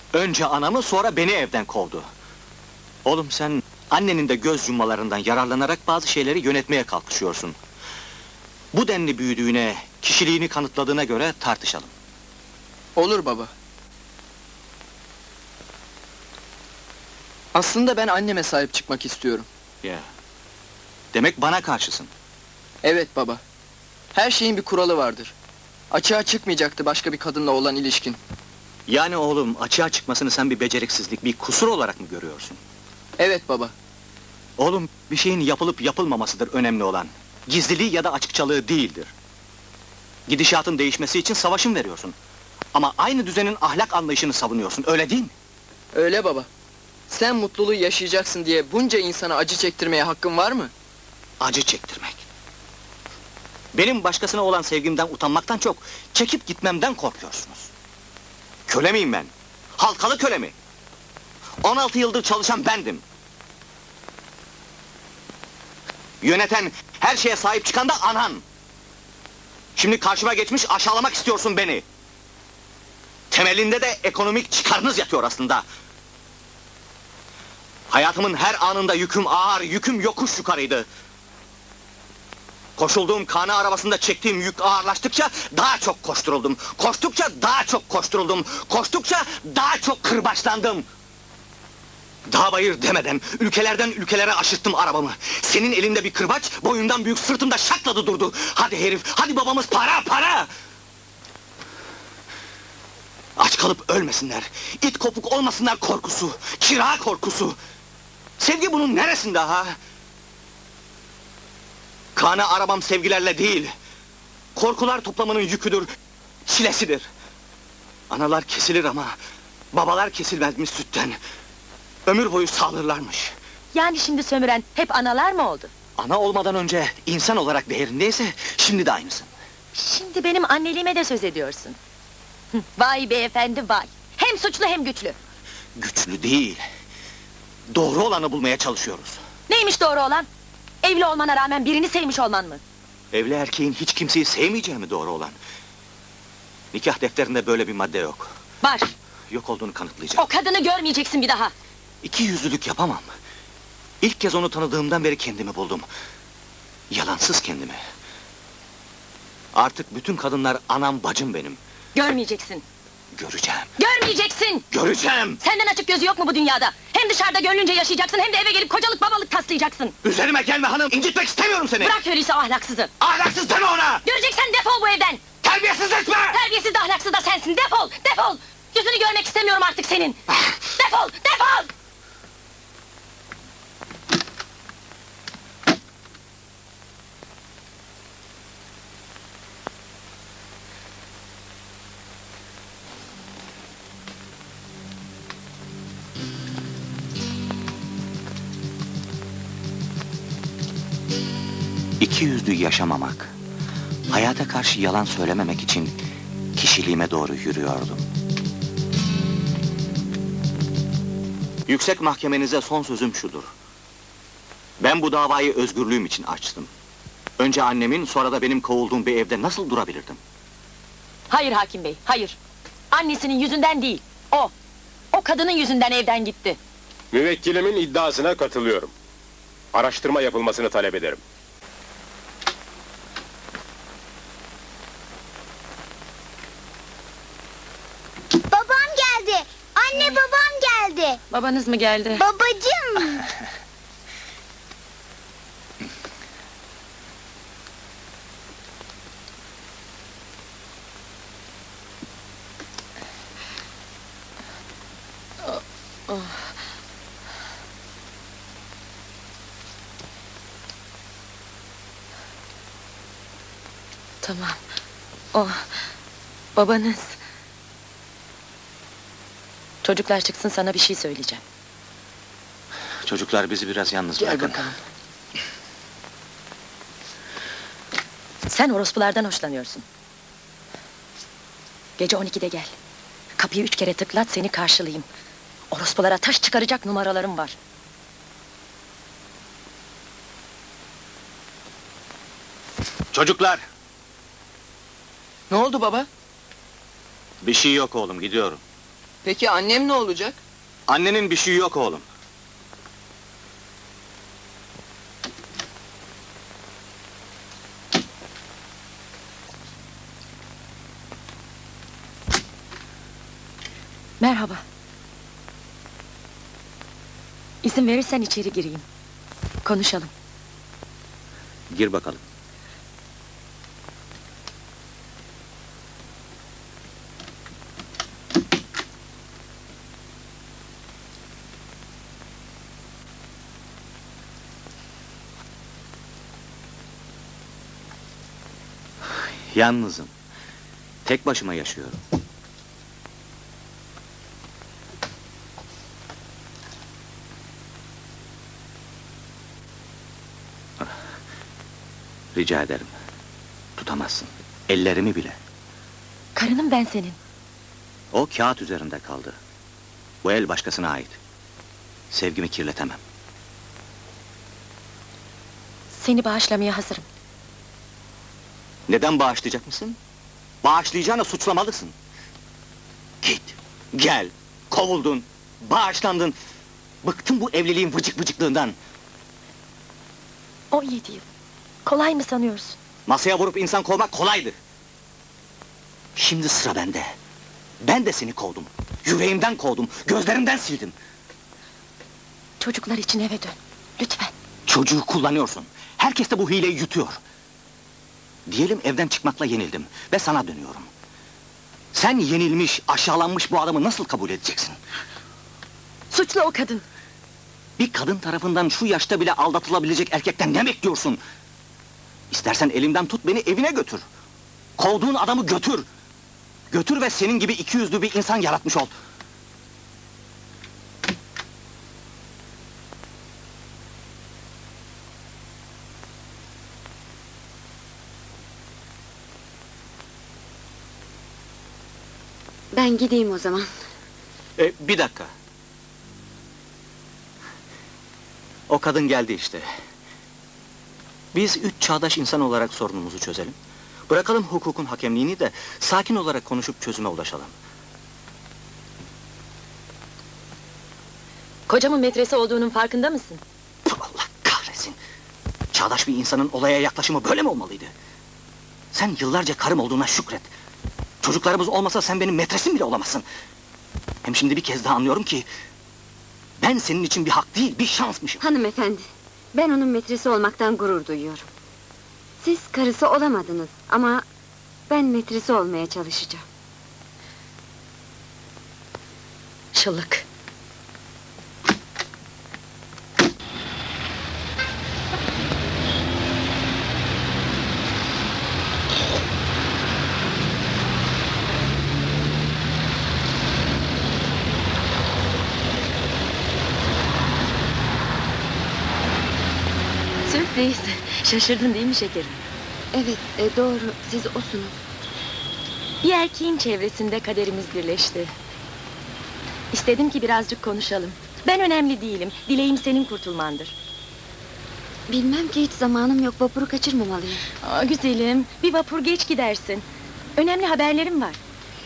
Önce anamı, sonra beni evden kovdu. Oğlum sen, annenin de göz yummalarından yararlanarak bazı şeyleri yönetmeye kalkışıyorsun. Bu denli büyüdüğüne, kişiliğini kanıtladığına göre tartışalım. Olur baba. Aslında ben anneme sahip çıkmak istiyorum. Ya. Demek bana karşısın. Evet baba. Her şeyin bir kuralı vardır. Açığa çıkmayacaktı başka bir kadınla olan ilişkin. Yani oğlum, açığa çıkmasını sen bir beceriksizlik, bir kusur olarak mı görüyorsun? Evet baba. Oğlum, bir şeyin yapılıp yapılmamasıdır önemli olan. Gizliliği ya da açıkçalığı değildir. Gidişatın değişmesi için savaşın veriyorsun. Ama aynı düzenin ahlak anlayışını savunuyorsun, öyle değil mi? Öyle baba. Sen mutluluğu yaşayacaksın diye bunca insana acı çektirmeye hakkın var mı? Acı çektirmek. Benim başkasına olan sevgimden utanmaktan çok, çekip gitmemden korkuyorsunuz. Köle miyim ben? Halkalı köle mi? 16 yıldır çalışan bendim. Yöneten, her şeye sahip çıkan da anan. Şimdi karşıma geçmiş aşağılamak istiyorsun beni. Temelinde de ekonomik çıkarınız yatıyor aslında. Hayatımın her anında yüküm ağır, yüküm yokuş yukarıydı. Koşulduğum kana arabasında çektiğim yük ağırlaştıkça daha çok koşturuldum. Koştukça daha çok koşturuldum. Koştukça daha çok kırbaçlandım. Dağ bayır demeden, ülkelerden ülkelere aşırttım arabamı. Senin elinde bir kırbaç, boyundan büyük sırtımda şakladı durdu. Hadi herif, hadi babamız para, para! Aç kalıp ölmesinler, it kopuk olmasınlar korkusu, kira korkusu. Sevgi bunun neresinde ha? Kana arabam sevgilerle değil, korkular toplamının yüküdür, çilesidir. Analar kesilir ama, babalar kesilmezmiş sütten. Ömür boyu sağlarlarmış. Yani şimdi sömüren hep analar mı oldu? Ana olmadan önce insan olarak değerindeyse, şimdi de aynısın. Şimdi benim anneliğime de söz ediyorsun. Vay beyefendi vay! Hem suçlu hem güçlü! Güçlü değil, doğru olanı bulmaya çalışıyoruz. Neymiş doğru olan? Evli olmana rağmen birini sevmiş olman mı? Evli erkeğin hiç kimseyi sevmeyeceği mi doğru olan? Nikah defterinde böyle bir madde yok. Var! Yok olduğunu kanıtlayacağım. O kadını görmeyeceksin bir daha! İki yüzlülük yapamam. İlk kez onu tanıdığımdan beri kendimi buldum. Yalansız kendimi. Artık bütün kadınlar anam bacım benim. Görmeyeceksin! Göreceğim. Görmeyeceksin! Göreceğim! Senden açık gözü yok mu bu dünyada? Hem dışarıda gönlünce yaşayacaksın, hem de eve gelip kocalık babalık taslayacaksın! Üzerime gelme hanım, incitmek istemiyorum seni! Bırak öyleyse ahlaksızı! Ahlaksız deme ona! Göreceksen defol bu evden! Terbiyesiz etme! Terbiyesiz de ahlaksız da sensin, defol! Defol! Yüzünü görmek istemiyorum artık senin! Defol! Defol! İki yüzlü yaşamamak, hayata karşı yalan söylememek için kişiliğime doğru yürüyordum. Yüksek mahkemenize son sözüm şudur. Ben bu davayı özgürlüğüm için açtım. Önce annemin, sonra da benim kovulduğum bir evde nasıl durabilirdim? Hayır hakim bey, hayır! Annesinin yüzünden değil, o! O kadının yüzünden evden gitti! Müvekkilimin iddiasına katılıyorum. Araştırma yapılmasını talep ederim. Babam geldi. Anne babam geldi. Babanız mı geldi? Babacığım. Tamam, o... Babanız... Çocuklar çıksın, sana bir şey söyleyeceğim. Çocuklar bizi biraz yalnız Gel bırakın. bakalım. Sen orospulardan hoşlanıyorsun. Gece 12'de gel. Kapıyı 3 kere tıklat, seni karşılayayım. Orospulara taş çıkaracak numaralarım var. Çocuklar! Ne oldu baba? Bir şey yok oğlum, gidiyorum. Peki annem ne olacak? Annenin bir şeyi yok oğlum. Merhaba. İzin verirsen içeri gireyim. Konuşalım. Gir bakalım. Yalnızım. Tek başıma yaşıyorum. Rica ederim. Tutamazsın. Ellerimi bile. Karınım ben senin. O kağıt üzerinde kaldı. Bu el başkasına ait. Sevgimi kirletemem. Seni bağışlamaya hazırım. Neden bağışlayacak mısın? Bağışlayacağına suçlamalısın. Git, gel, kovuldun, bağışlandın. Bıktım bu evliliğin vıcık vıcıklığından. 17 yıl. Kolay mı sanıyorsun? Masaya vurup insan kovmak kolaydır. Şimdi sıra bende. Ben de seni kovdum. Yüreğimden kovdum, gözlerimden sildim. Çocuklar için eve dön. Lütfen. Çocuğu kullanıyorsun. Herkes de bu hileyi yutuyor. Diyelim evden çıkmakla yenildim ve sana dönüyorum. Sen yenilmiş, aşağılanmış bu adamı nasıl kabul edeceksin? Suçlu o kadın. Bir kadın tarafından şu yaşta bile aldatılabilecek erkekten ne bekliyorsun? İstersen elimden tut beni evine götür. Kovduğun adamı götür. Götür ve senin gibi ikiyüzlü bir insan yaratmış ol. Ben gideyim o zaman. Bir dakika. O kadın geldi işte. Biz 3 çağdaş insan olarak sorunumuzu çözelim. Bırakalım hukukun hakemliğini de sakin olarak konuşup çözüme ulaşalım. Kocamın metresi olduğunun farkında mısın? Puh, Allah kahretsin! Çağdaş bir insanın olaya yaklaşımı böyle mi olmalıydı? Sen yıllarca karım olduğuna şükret. Çocuklarımız olmasa sen benim metresim bile olamazsın. Hem şimdi bir kez daha anlıyorum ki... ...ben senin için bir hak değil, bir şansmışım. Hanımefendi, ben onun metresi olmaktan gurur duyuyorum. Siz karısı olamadınız ama ben metresi olmaya çalışacağım. Şıllık. Sürpriz. Şaşırdın değil mi şekerim? Evet, doğru, siz osunuz. Bir erkeğin çevresinde kaderimiz birleşti. İstedim ki birazcık konuşalım. Ben önemli değilim. Dileğim senin kurtulmandır. Bilmem ki hiç zamanım yok, vapuru kaçırmamalıyım. Aa, güzelim, bir vapur geç gidersin. Önemli haberlerim var.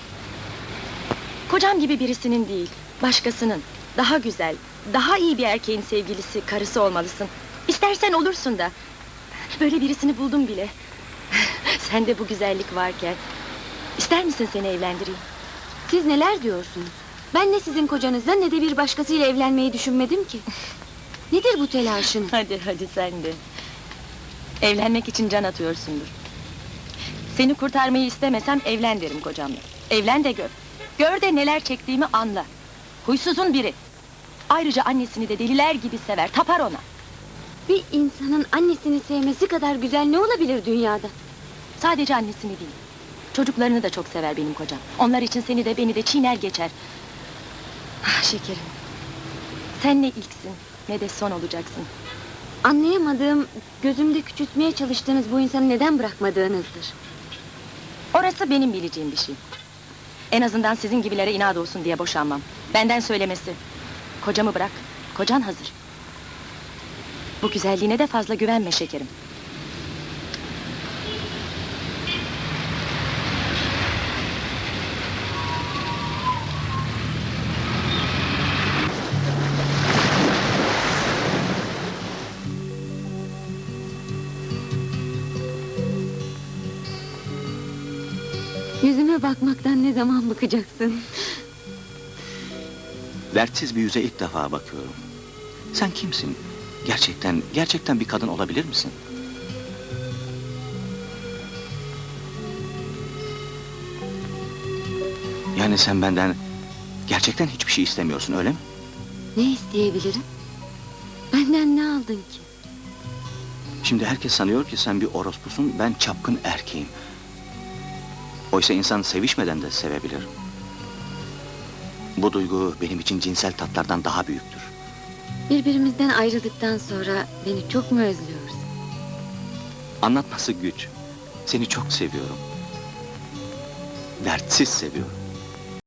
Kocam gibi birisinin değil, başkasının. Daha güzel, daha iyi bir erkeğin sevgilisi, karısı olmalısın. İstersen olursun da. Böyle birisini buldum bile. Sende bu güzellik varken. İster misin seni evlendireyim? Siz neler diyorsunuz? Ben ne sizin kocanızla ne de bir başkasıyla evlenmeyi düşünmedim ki. Nedir bu telaşınız? Hadi sen de. Evlenmek için can atıyorsundur. Seni kurtarmayı istemesem evlen derim kocamla. Evlen de gör. Gör de neler çektiğimi anla. Huysuzun biri. Ayrıca annesini de deliler gibi sever, tapar ona. Bir insanın annesini sevmesi kadar güzel ne olabilir dünyada? Sadece annesini değil. Çocuklarını da çok sever benim kocam. Onlar için seni de beni de çiğner geçer. Ah şekerim. Sen ne ilksin ne de son olacaksın. Anlayamadığım, gözümde küçültmeye çalıştığınız bu insanı neden bırakmadığınızdır. Orası benim bileceğim bir şey. En azından sizin gibilere inat olsun diye boşanmam. Benden söylemesi. Kocamı bırak, kocan hazır. Bu güzelliğine de fazla güvenme şekerim. Yüzüme bakmaktan ne zaman bakacaksın? Dertsiz bir yüze ilk defa bakıyorum. Sen kimsin? Gerçekten bir kadın olabilir misin? Yani sen benden gerçekten hiçbir şey istemiyorsun, öyle mi? Ne isteyebilirim? Benden ne aldın ki? Şimdi herkes sanıyor ki sen bir orospusun, ben çapkın erkeğim. Oysa insan sevişmeden de sevebilir. Bu duygu benim için cinsel tatlardan daha büyüktür. Birbirimizden ayrıldıktan sonra beni çok mu özlüyorsun? Anlatması güç. Seni çok seviyorum. Dertsiz seviyorum.